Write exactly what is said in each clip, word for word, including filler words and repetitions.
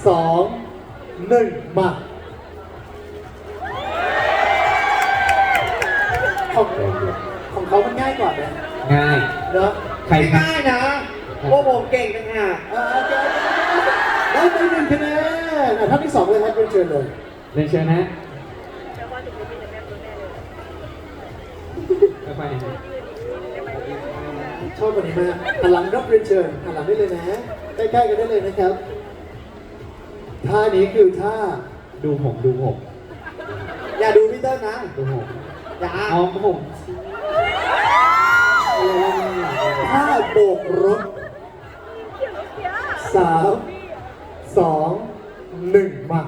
สองหนึ่งมาของของเขามันง่ายกว่าไหมง่ายเนอะใครไม่ครับง่ายนะพวกผมเก่งกันอ่ะอ่าโอเคได้ไปหนึ่งคะแนนอ่ะท่านที่สองเลยครับเป็นเชิญเลยเรียนเชิญนะไปๆนะชอบวันนี้มากหันหลังรับเรียนเชิญหันหลังได้เลยนะใกล้ๆกันได้เลยนะครับท่านี้คือท่าดูผมดูผมอย่าดูพี่เติ้ลนะดูผมอย่าเอาผมท่าโบกรถสามสองหนึ่งมา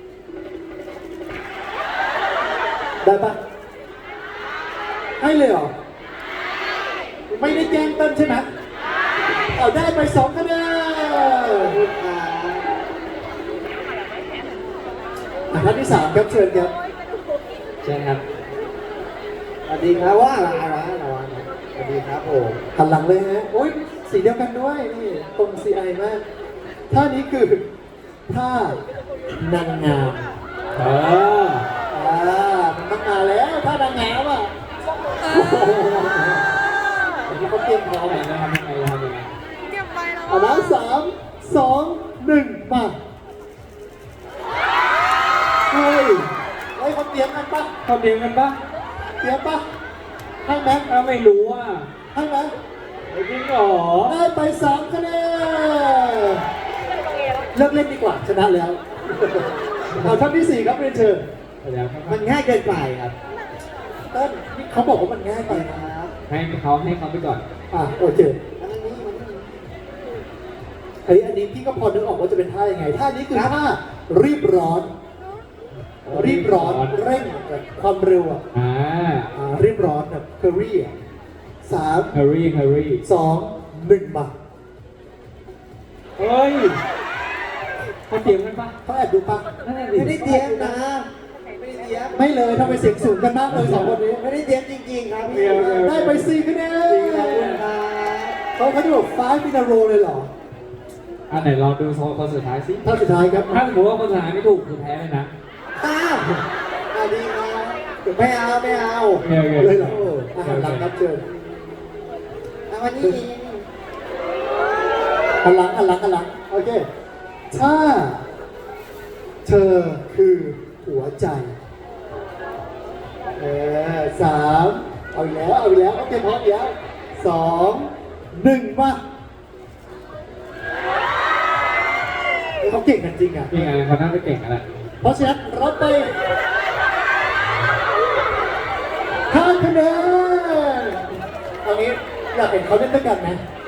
ได้ปะให้เลยเหรอไม่ได้แกล้งเต้นใช่ไหมเอาได้ไปสองคะแนนอ่ะท่านที่สามครับเชิญครับเชิญครับสวัสดีครับว่าอะไรอะไรอะไรสวัสดีครับผมหันหลังเลยฮะโอ้ยสีเดียวกันด้วยนี่ตรงซีไอมากท่านี้คือท่านางงามเอออ่ามันต้องมาแล้วท่านางงามอ่ะโอ้โหอันนี้เขาเตรียมพร้อมทำยังไงนะทำยังไงทำยังไงเก็บไปแล้วเอาละสามสองหนึ่งมาเฮ้ยเฮ้ยเขาเตรียมกันปะเขาเตรียมกันปะเตรียมปะให้ไหมถ้าไม่รู้อ่ะให้ไหมจริงเหรอได้ไปสามคะแนนเลิกเล่นดีกว่าชนะแล้วเอาท่านที่สี่ครับเรียนเชิญเดี๋ยวครับมันง่ายเกินไปครับเต้นนี่เขาบอกว่ามันง่ายไปนะครับให้เขาให้เขาไปก่อนอ่ะโอเคอันนี้มันเฮ้ยอันนี้พี่ก็พอนึกออกว่าจะเป็นท่ายังไงท่านี้คือท่ารีบร้อน รีบร้อนเร่งแบบความเร็วอ่ะอ่าอ่ารีบร้อนแบบเคอรี่อ่ะสามฮารี่ฮารี่สองหนึ่งมาเฮ้ยเขาเตรียมกันปะเขาแอบดูปะนั่นแหละดิไม่ได้เตรียมนะ ไม่ได้เตรียมไม่เลยทำไมเสียงสูงกันมากเลยสองคนนี้ไม่ได้เตรียมจริงๆครับพี่ได้ไปสี่คะแนจริงขอบคุณนครับเขาเขาจะบอกฟ้ามินาโรเลยเหรออันไหนลองดูคนสุดท้ายสิท่าสุดท้ายครับถ้าสมมติว่าคนสุดท้ายไม่ถูกคือแพ้เลยนะอ้าวสวัสดีครับไม่เอาไม่เอาโอเคโอเคเลยเหรออาหารหลังครับเชิญเอาวันนี้หันหลังหันหลังหันหลังโอเคถ้าเธอคือหัวใจเออสามเอาอีกแล้วเอาอีกแล้วโอเคพร้อมอีกแล้วสองหนึ่งมาเฮ้ยเขาเก่งกันจริงอ่ะยังไงเขาน่าจะเก่งอะไรเพราะฉะนั้นรับไปห้าคะแนนเอางี้อยากเห็นเขาเล่นด้วยกันไหม